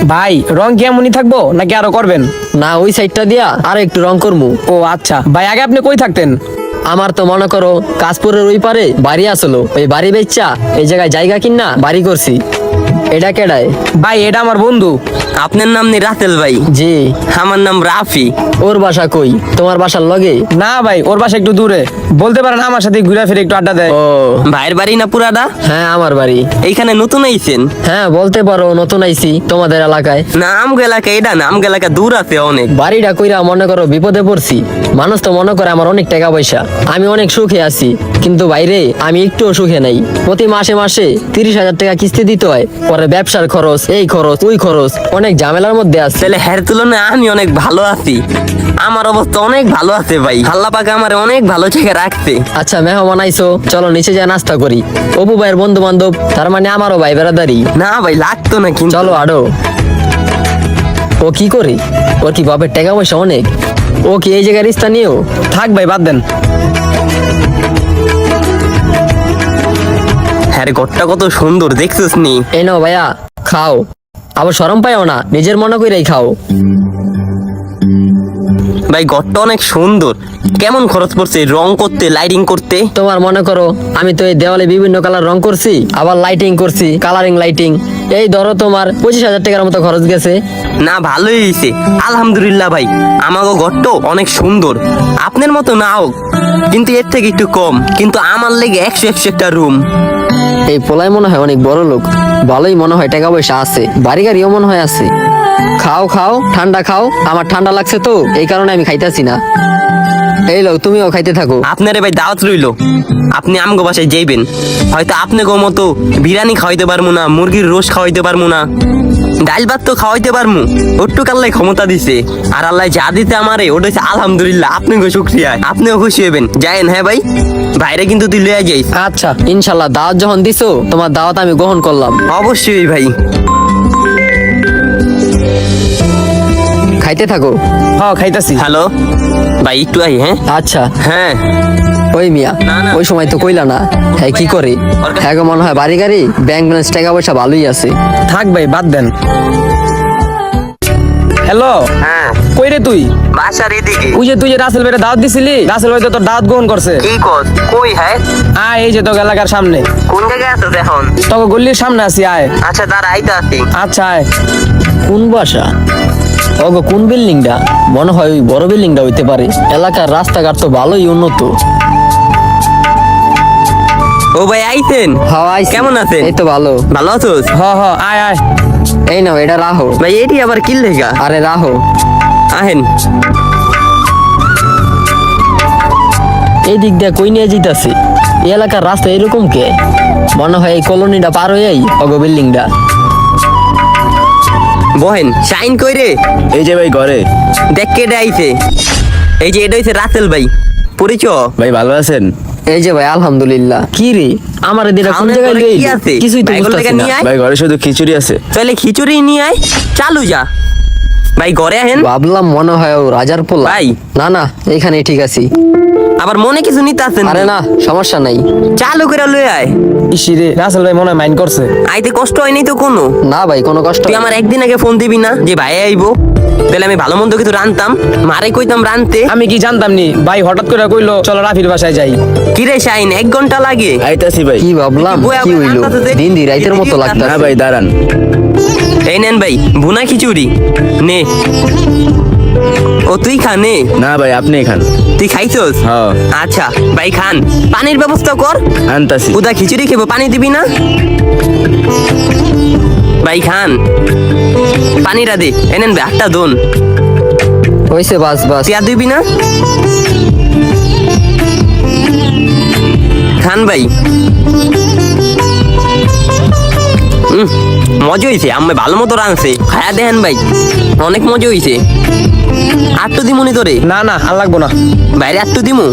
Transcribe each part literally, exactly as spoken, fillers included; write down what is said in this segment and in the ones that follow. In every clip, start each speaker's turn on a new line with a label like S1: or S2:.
S1: ভাই রং কি এমনই থাকবো নাকি আরো করবেন?
S2: না, ওই সাইডটা দিয়া আর একটু রং করমু।
S1: ও আচ্ছা ভাই, আগে আপনি কই থাকতেন?
S2: আমার তো মনে করো কাশপুরের ওই পারে বাড়ি আসলো, ওই বাড়ি বেচা এই জায়গায় জায়গা কিনা বাড়ি করছি। এটা কেডায়?
S1: ভাই এটা আমার বন্ধু।
S3: আপনার নাম নি রাতেল ভাই?
S2: জি।
S3: আমার নাম রাফি।
S2: ওর বাসা কই? তোমার বাসার লগে?
S1: না ভাই, ওর বাসা একটু দূরে। বলতে পারেন আমার সাথে ঘুরে ফিরে একটু আড্ডা দেয়।
S2: ও
S3: ভাইয়ের বাড়ি না পুরাদা?
S2: হ্যাঁ, আমার বাড়ি।
S3: এইখানে নতুন আইছেন?
S2: হ্যাঁ বলতে পারো, নতুন আইছি তোমাদের এলাকায়।
S3: নাম এলাকা এটা নাম এলাকা দূর আছে অনেক।
S2: বাড়িটা কইরা মনে করো বিপদে পড়ছি। মানুষ তো মনে করে আমার অনেক টাকা পয়সা, আমি অনেক সুখে আছি, কিন্তু বাইরে আমি একটুও সুখে নাই। প্রতি মাসে মাসে তিরিশ হাজার টাকা কিস্তি দিতে হয়, পরে ব্যবসার খরচ, এই খরচ ওই খরচ, অনেক ঝামেলার মধ্যে আছে।
S3: তাহলে হের তুলনায় আমি অনেক ভালো আছি। আমার অবস্থা অনেক ভালো আছে ভাই, আল্লাহ পাক আমার অনেক ভালো জায়গায় রাখছে।
S2: আচ্ছা মেহমান আইছো, চলো নিচে যা নাস্তা করি। অপু ভাইয়ের বন্ধু বান্ধব, তার মানে আমারও ভাই বেড়াদারি।
S3: না ভাই লাগতো না কিন্তু।
S2: চলো আরো। ও কি করে? ওর কি বাপের টাকা পয়সা অনেক? ও কি এই জায়গার স্থানীয়?
S1: থাক ভাই, বাদ দেন।
S3: হ্যাঁ রে, ঘরটা কত সুন্দর দেখছিস নি?
S2: এই নাও ভাইয়া, খাও। আবার শরম পাইও না, নিজের মনে করেই খাও।
S3: ভাই ঘরটা অনেক সুন্দর। কেমন খরচ পড়ছে রং করতে, লাইটিং করতে?
S2: তোমার মনে করো আমি তো এই দেওয়ালে বিভিন্ন কালার রং করছি, আবার লাইটিং করছি, কালারিং লাইটিং। এই ধরো তোমার পঁচিশ হাজার টাকার মতো খরচ গেছে।
S3: না ভালোই হয়েছে আলহামদুলিল্লাহ ভাই। আমাকে ঘরটা অনেক সুন্দর, আপনার মতো না হোক কিন্তু এর থেকে একটু কম, কিন্তু আমার লেগে একশো একশো একটা রুম।
S2: এই পোলাই মনে হয় অনেক বড় লোক, ভালোই মনে হয় টাকা পয়সা আছে, বাড়ি গাড়িও মনে হয় আছে। খাও খাও, ঠান্ডা খাও। আমার ঠান্ডা লাগছে তো এই কারণে আমি খাইতেছি না। এই লো, তুমিও খাইতে থাকো।
S3: আপনারে ভাই দাওয়াত রইলো, আপনি আমগো বাসায় যাইবেন। হয়তো আপনাকে মতো বিরিয়ানি খাওয়াইতে পারবো না, মুরগির রোস্ট খাওয়াইতে পারবো না, ডাল ভাত তো খাওয়াইতে পারবো, ওটুক আল্লাহ ক্ষমতা দিছে। আর আল্লাহ যা দিতে আমারে ওটা হচ্ছে আলহামদুলিল্লাহ। আপনাকে শুক্রিয়া, আপনিও খুশি হবেন। যায়েন হ্যাঁ ভাই, বাইরে কিন্তু তুই লইয়া যাইস।
S2: আচ্ছা ইনশাল্লাহ, দাওয়াত যখন দিছো তোমার দাওয়াত আমি গ্রহণ করলাম।
S3: অবশ্যই ভাই।
S2: খাইতে থাকো।
S1: হ্যাঁ খাইতাছি।
S3: হ্যালো ভাই, একটু আই। হ্যাঁ
S2: আচ্ছা।
S3: হ্যাঁ
S2: ওই মিয়া,
S3: না, না।
S2: ওই সময় তো কইলা না। হ্যাঁ কি করে? হ্যাঁ গো, মনে হয় বাড়ি গাড়ি ব্যাংক ব্যালেন্স টাকা পয়সা ভালোই আছে।
S1: থাক ভাই, বাদ দেন। হ্যালো,
S3: হ্যাঁ
S1: কই রে তুই?
S3: বাসার এদিকে।
S1: ওই যে তুই যে রাসেল ভাইয়ের দাওয়াত দিছিলি, রাসেল ভাই তো তোর দাওয়াত গ্রহণ করছে।
S3: কি কস? কই? হ্যাঁ
S1: আয়, এই যে তোর এলাকার সামনে,
S3: কোন জায়গায় আছো এখন?
S1: তোকে গল্লির সামনে আছি, আয়।
S3: আচ্ছা দাঁড়া, আইতে আসি।
S1: আচ্ছা আয়।
S2: কোন বাসা? ওগো কোন বিল্ডিংটা? মনে হয় ওই বড় বিল্ডিংটা হইতে পারে। এলাকার রাস্তাঘাট তো ভালোই উন্নত।
S3: ও ভাই আইতেন?
S2: হ্যাঁ আইছি।
S3: কেমন আছেন?
S2: এই তো ভালো।
S3: ভালো আছোস?
S1: হ হ, আয় আয়।
S2: এই নাও, এটা রাহো।
S3: ভাই এটি আবার কি লেখা?
S2: আরে রাহো।
S3: আহেন।
S2: এই দিক দিয়ে কই নিয়ে যেতেছে? এই এলাকার রাস্তা এরকম কে? মনে হয় এই কলোনিটা পার হয়েই ওগো বিল্ডিংটা।
S3: বহেন, শাইন কই রে?
S4: এই যে ভাই ঘরে।
S3: দেখ কেটে আইছে। এই যে এটা হইছে রাসেল ভাই, পরিচয়।
S4: ভাই ভালো আছেন?
S2: এই যে ভাই আলহামদুলিল্লাহ। কি রে, আমার দিটা কোন
S3: খাওনের
S2: জায়গায়
S3: পরে
S2: লইলি?
S3: কি আছে?
S2: কিছুই তো
S3: বাইগুলো
S2: বুঝতাছি
S3: থেকে
S2: না।
S3: নিয়ে আয়।
S4: ভাই ঘরে শুধু খিচুড়ি আছে।
S3: তাহলে খিচুড়ি নিয়ে আয়, চালু যা। ভাই ঘরে আহেন।
S2: ভাবলাম মনে হয় ও রাজার পোলা।
S3: ভাই।
S2: না না, এখানে ঠিক আছি।
S3: আবার মনে কিছু নিতে আসেন?
S2: আরে না, সমস্যা নাই।
S3: চালু করে লই আয়।
S1: ইসি রে, রাসেল ভাই মনে হয় মাইন্ড করছে।
S3: আইতে কষ্ট হয়নি তো কোনো?
S2: না ভাই, কোনো কষ্ট
S3: তুই
S2: নাই।
S3: আমার একদিন আগে ফোন দিবি না যে ভাই আইবো? তাহলে আমি ভালো মন্দ কিছু রানতাম, মারে কইতাম রানতে।
S1: আমি কি জানতাম নি? ভাই হঠাৎ করে কইলো চলো রাফির বাসায় যাই।
S3: কিরে শাইন, এক ঘন্টা লাগে?
S4: আইতাছি ভাই।
S2: কি ভাবলাম,
S3: বই
S2: কি
S3: আবার
S2: হইলো?
S3: রান্নাতে দেখ।
S2: দিন দি রাইতের মতো
S4: না
S2: লাগতাছে।
S4: ভাই দাঁড়ান।
S3: এই নেন ভাই, ভুনা খিচুড়ি নে। ও তুই খা নে।
S4: না ভাই আপনি খান।
S3: তুই খাইছস?
S4: হ্যাঁ।
S3: আচ্ছা ভাই খান, পানির ব্যবস্থা কর।
S4: আনতাছি।
S3: উদা খিচুড়ি খেবো, পানি দিবি না? ভাই খান, পানিটা দে। এনেন ভাই আটটা দোন।
S2: হইছে, বাস বাস।
S3: তুই আর দিবি না? খান ভাই। উম, মজা হয়েছে, আমি ভালো মতো রাঁধছে, খায়া দেখেন ভাই, অনেক মজা হয়েছে। আটটু দিমুনি তোরে?
S1: না না, আর লাগবো না।
S3: বাইরে আটটু দিমু?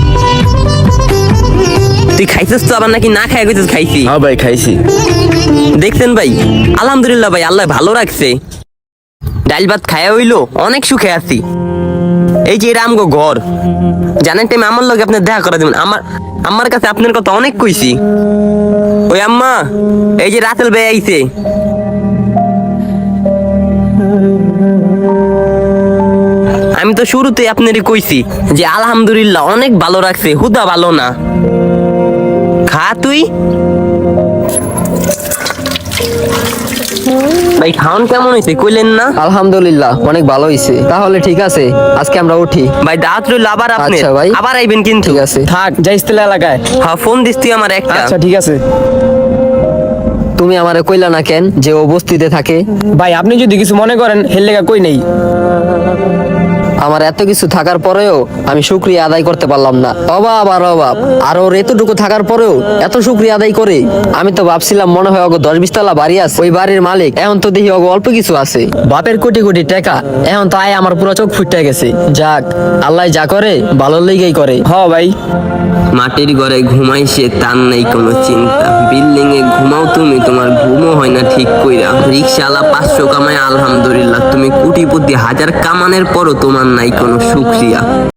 S3: তুই খাইছিস তো আবার নাকি না খাই কইছিস খাইছি?
S4: হ্যাঁ ভাই খাইছি।
S3: দেখছেন ভাই, আলহামদুলিল্লাহ ভাই, আল্লাহ ভালো রাখছে। ডাল ভাত খায়া হইলো, অনেক সুখে আছি। এই যে এটা আমগো ঘর, জানেন টাইম আমার লগে আপনি দেখা করা দিবেন। আমার আমার কাছে আপনার কথা অনেক কইছি। ওই আম্মা, এই যে রাসেল ভাই আইছে। আমি তো শুরুতে আপনারই কইছি যে আলহামদুলিল্লাহ অনেক ভালো রাখছে, হুদা ভালো না। খা তুই। ভাই খাওন কেমন হয়েছে কইলেন না?
S2: আলহামদুলিল্লাহ অনেক ভালো হয়েছে। তাহলে ঠিক আছে, আজকে আমরা উঠি।
S3: ভাই দাঁত রইল আবার আপনি
S2: আচ্ছা ভাই।
S3: আবার আইবেন কিন্তু।
S2: ঠিক আছে।
S1: থাক যাইস তেলা এলাকায়।
S3: হ্যাঁ ফোন দিস তুই আমার একটা।
S1: আচ্ছা ঠিক আছে।
S2: তুমি আমারে কইলা না কেন যে ও বস্তিতে থাকে?
S1: ভাই আপনি যদি কিছু মনে করেন হের লেগা কই নেই।
S2: আমার এত কিছু থাকার পরেও আমি শুকরিয়া আদায় করতে পারলাম না। অভাব আর অভাব, আর ওর এতটুকু থাকার পরেও এত শুকরিয়া আদায় করে। আমি তো ভাবছিলাম মনে হয় ওগো দশ বিশ তলা বাড়ি আছে, ওই বাড়ির মালিক। এখন তো দেখি ওগো অল্প কিছু আছে। বাপের কোটি কোটি টাকা, এখন তো আয় আমার পুরো চোখ ফুটে গেছে। যাক, আল্লাহ যা করে ভালোর লেগেই করে।
S1: হ ভাই।
S3: মাটির ঘরে ঘুমাই সে, তার নাই কোনো চিন্তা। বিল্ডিং এ ঘুমাও তুমি, তোমার ঘুমও হয় না ঠিক কইরা। রিক্সাওয়ালা পাঁচশো কামায় আলহামদুলিল্লাহ, তুমি কোটিপতি হাজার কামানের পরও তোমার নাই কোনো শুকরিয়া।